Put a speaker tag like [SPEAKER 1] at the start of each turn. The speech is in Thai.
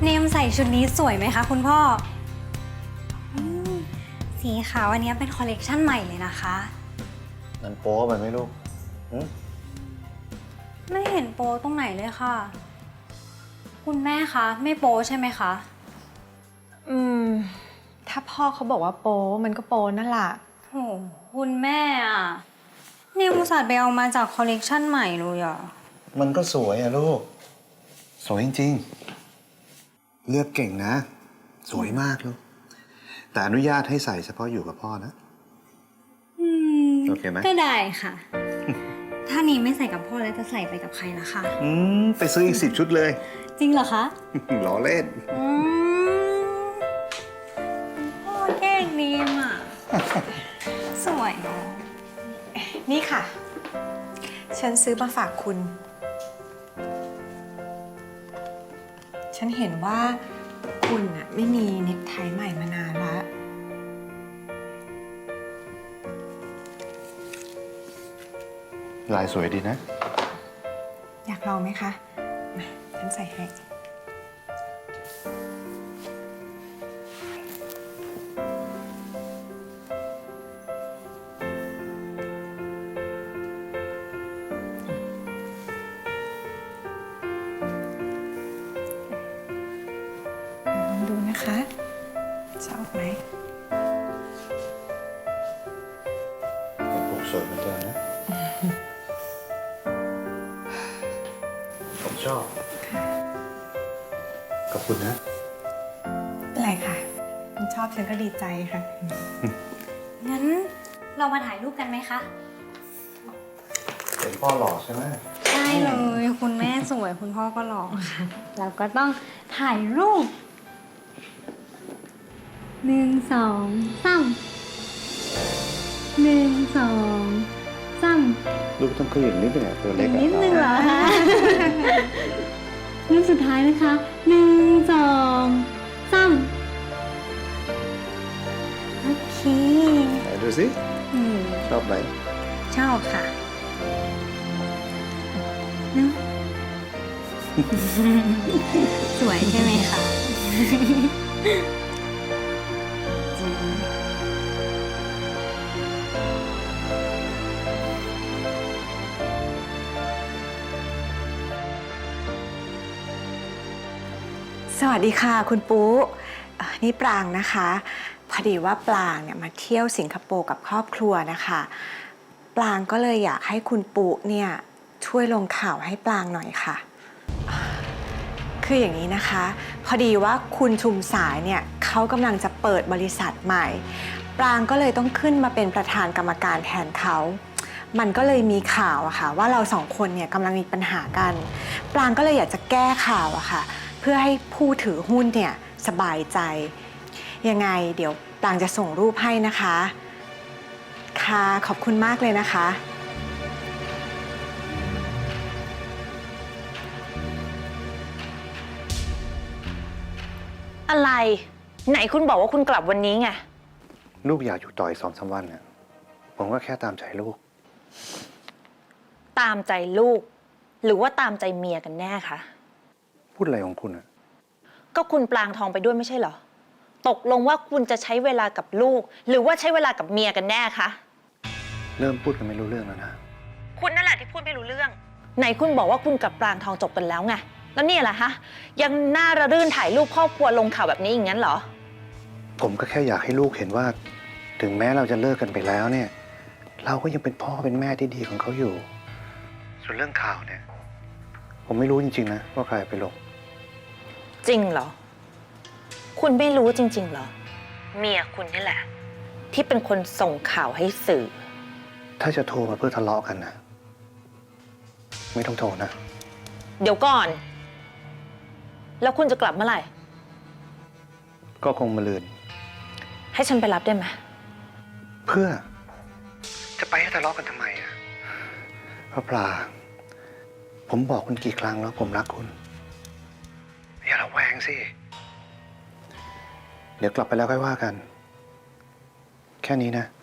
[SPEAKER 1] เนมใส่ชุดนี้สวยไหมคะคุณพ่ออืมสีขาวอันนี้เป็นคอลเลกชันใหม่เลยนะคะ
[SPEAKER 2] มันโป๊ไปไหมลูก
[SPEAKER 1] ไม่เห็นโปตรงไหนเลยค่ะ คุณแม่คะไม่โปใช่ไหมคะ
[SPEAKER 3] ถ้าพ่อเขาบอกว่าโป๊มันก็โป๊นั่นแหละ
[SPEAKER 1] โหคุณแม่อะเนมอุตส่าห์ไปเอามาจากคอลเลกชันใหม่เลยอะ
[SPEAKER 2] มันก็สวยอะลูก สวยจริงๆ เลือกเก่งนะ สวยมากลูก แต่อนุญาตให้ใส่เฉพาะอยู่กับพ่อนะ โอเคไหม
[SPEAKER 1] ก็ได้ค่ะ ถ้านี้ไม่ใส่กับพ่อแล้วจะใส่ไปกับใครล่ะคะ
[SPEAKER 2] ไปซื้ออีก10 ชุดเลย
[SPEAKER 1] จริงเหรอคะ
[SPEAKER 2] ล้อเล่น
[SPEAKER 1] พ่อแกล้งเนมอะ สวยเนาะ
[SPEAKER 3] นี่ค่ะ ฉันซื้อมาฝากคุณ ฉันเห็นว่าคุณน่ะไม่มีเน็กไทใหม่มานานแล้ว
[SPEAKER 2] ลายสวยดีนะ
[SPEAKER 3] อยากลองไหมคะ มาฉันใส่ให้ ลองดูนะคะ ชอบไหม
[SPEAKER 2] ผมสวยเหมือนกันนะ ผมชอบ ขอบคุณนะ
[SPEAKER 3] เป็นไรค่ะคุณชอบฉันก็ดีใจค่ะ
[SPEAKER 1] งั้นเรามาถ่ายรูปกันไหมคะ
[SPEAKER 2] เป็นพ่อหล่อใช่ไหม
[SPEAKER 1] ใช่เลย คุณแม่สวยคุณพ่อก็หล่อค่ะ เราก็ต้องถ่ายรูป1 2 3 1 2 3
[SPEAKER 2] ลูกต้องขึ้นอีกนิดนึงอะตัวเล็กอะ
[SPEAKER 1] นิดนึงเหรอคะ รูปสุดท้ายนะคะ1 2 3โอเค
[SPEAKER 2] ไหนดูสิ ชอบไหม
[SPEAKER 1] ชอบค่ะเนอะ สวยใช่ไหมคะจริง
[SPEAKER 3] สวัสดีค่ะคุณปุ๊นี่ปรางนะคะ พอดีว่าปรางเนี่ยมาเที่ยวสิงคโปร์กับครอบครัวนะคะ ปรางก็เลยอยากให้คุณปุ๊เนี่ยช่วยลงข่าวให้ปรางหน่อยค่ะ คืออย่างนี้นะคะ พอดีว่าคุณชุมสายเนี่ยเขากำลังจะเปิดบริษัทใหม่ ปรางก็เลยต้องขึ้นมาเป็นประธานกรรมการแทนเขา มันก็เลยมีข่าวอะค่ะว่าเราสองคนเนี่ยกำลังมีปัญหากัน ปรางก็เลยอยากจะแก้ข่าวอะค่ะเพื่อให้ผู้ถือหุ้นเนี่ยสบายใจ ยังไงเดี๋ยวปรางจะส่งรูปให้นะคะ ค่ะขอบคุณมากเลยนะคะ
[SPEAKER 4] อะไร ไหนคุณบอกว่าคุณกลับวันนี้ไง
[SPEAKER 2] ลูกอยากอยู่ต่ออีก2-3 วันเนี่ยผมก็แค่ตามใจลูก
[SPEAKER 4] ตามใจลูก หรือว่าตามใจเมียกันแน่คะ
[SPEAKER 2] พูดอะไรของคุณอะ
[SPEAKER 4] ก็คุณปลางทองไปด้วยไม่ใช่เหรอ ตกลงว่าคุณจะใช้เวลากับลูก หรือว่าใช้เวลากับเมียกันแน่คะ
[SPEAKER 2] เริ่มพูดกันไม่รู้เรื่องแล้วนะ
[SPEAKER 4] คุณนั่นแหละที่พูดไม่รู้เรื่อง ไหนคุณบอกว่าคุณกับปลางทองจบกันแล้วไง แล้วนี่แหละฮะ ยังน่าระรื่นถ่ายรูปครอบครัวลงข่าวแบบนี้อย่างนั้นเหรอ
[SPEAKER 2] ผมก็แค่อยากให้ลูกเห็นว่า ถึงแม้เราจะเลิกกันไปแล้วเนี่ย เราก็ยังเป็นพ่อเป็นแม่ที่ดีของเขาอยู่ ส่วนเรื่องข่าวเนี่ย ผมไม่รู้จริงๆนะว่าใครไปลง
[SPEAKER 4] จริงเหรอ คุณไม่รู้จริงๆเหรอ เมียคุณนี่แหละ ที่เป็นคนส่งข่าวให้สื่อ
[SPEAKER 2] ถ้าจะโทรมาเพื่อทะเลาะกันนะไม่ต้องโทรนะ
[SPEAKER 4] เดี๋ยวก่อน แล้วคุณจะกลับเมื่อไหร่
[SPEAKER 2] ก็คงมาลืน
[SPEAKER 4] ให้ฉันไปรับได้ไหม
[SPEAKER 2] เพื่อ จะไปให้ทะเลาะกันทำไมอะพระปลา ผมบอกคุณกี่ครั้งแล้วผมรักคุณ อย่าระแวงสิ เดี๋ยวกลับไปแล้วค่อยว่ากัน แค่นี้นะ